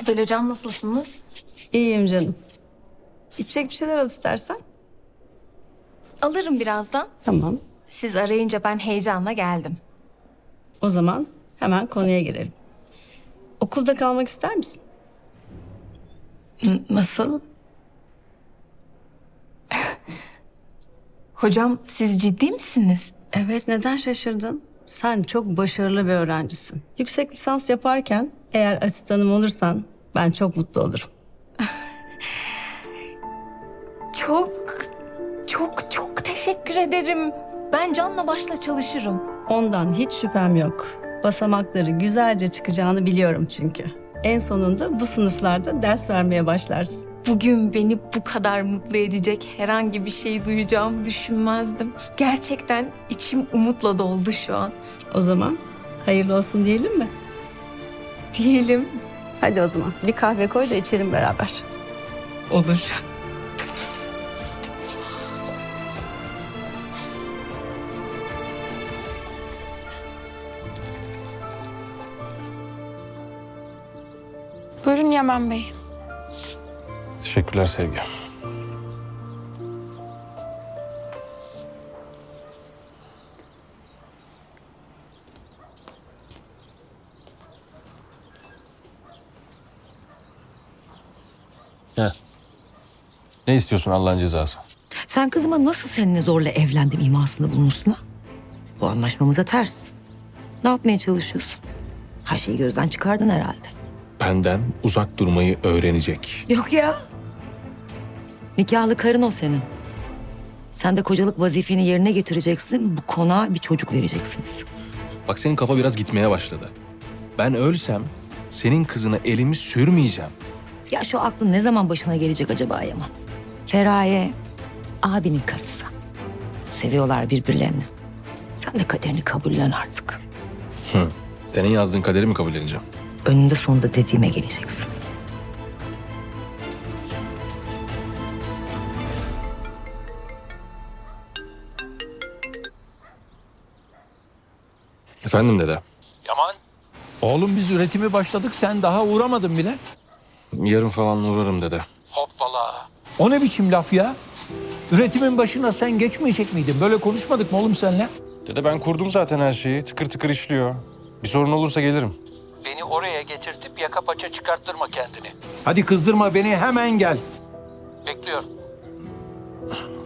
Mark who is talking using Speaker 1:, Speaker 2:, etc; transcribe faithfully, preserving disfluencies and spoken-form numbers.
Speaker 1: Sibel Hocam nasılsınız?
Speaker 2: İyiyim canım. İçecek bir şeyler al istersen.
Speaker 1: Alırım birazdan.
Speaker 2: Tamam.
Speaker 1: Siz arayınca ben heyecanla geldim.
Speaker 2: O zaman hemen konuya girelim. Okulda kalmak ister misin?
Speaker 1: N- nasıl? Hocam siz ciddi misiniz?
Speaker 2: Evet, neden şaşırdın? Sen çok başarılı bir öğrencisin. Yüksek lisans yaparken eğer asistanım olursan ben çok mutlu olurum.
Speaker 1: Çok, çok, çok teşekkür ederim. Ben canla başla çalışırım.
Speaker 2: Ondan hiç şüphem yok. Basamakları güzelce çıkacağını biliyorum çünkü. En sonunda bu sınıflarda ders vermeye başlarsın.
Speaker 1: Bugün beni bu kadar mutlu edecek herhangi bir şey duyacağımı düşünmezdim. Gerçekten içim umutla doldu şu an.
Speaker 2: O zaman hayırlı olsun diyelim mi?
Speaker 1: Diyelim.
Speaker 2: Hadi o zaman bir kahve koy da içelim beraber.
Speaker 1: Olur.
Speaker 3: Buyurun Yaman Bey.
Speaker 4: Teşekkürler Sevgi. Heh. Ne istiyorsun Allah'ın cezası?
Speaker 5: Sen kızıma nasıl seninle zorla evlendim imasında bulunursun ha? Bu anlaşmamıza ters. Ne yapmaya çalışıyorsun? Her şeyi gözden çıkardın herhalde.
Speaker 4: Benden uzak durmayı öğrenecek.
Speaker 5: Yok ya. Nikahlı karın o senin. Sen de kocalık vazifeni yerine getireceksin. Bu konağa bir çocuk vereceksiniz.
Speaker 4: Bak senin kafa biraz gitmeye başladı. Ben ölsem senin kızına elimi sürmeyeceğim.
Speaker 5: Ya şu aklın ne zaman başına gelecek acaba Yaman? Feraye abinin karısı. Seviyorlar birbirlerini. Sen de kaderini kabullen artık.
Speaker 4: Hı. Senin yazdığın kaderi mi kabul edeceğim?
Speaker 5: Önünde sonunda dediğime geleceksin.
Speaker 4: Efendim dede.
Speaker 6: Yaman. Oğlum biz üretimi başladık, sen daha uğramadın bile.
Speaker 4: Yarın falan uğrarım dede.
Speaker 6: Hoppala. O ne biçim laf ya? Üretimin başına sen geçmeyecek miydin? Böyle konuşmadık mı oğlum seninle?
Speaker 4: Dede ben kurdum zaten her şeyi. Tıkır tıkır işliyor. Bir sorun olursa gelirim.
Speaker 6: Beni oraya getirtip yaka paça çıkarttırma kendini. Hadi kızdırma beni, hemen gel. Bekliyorum.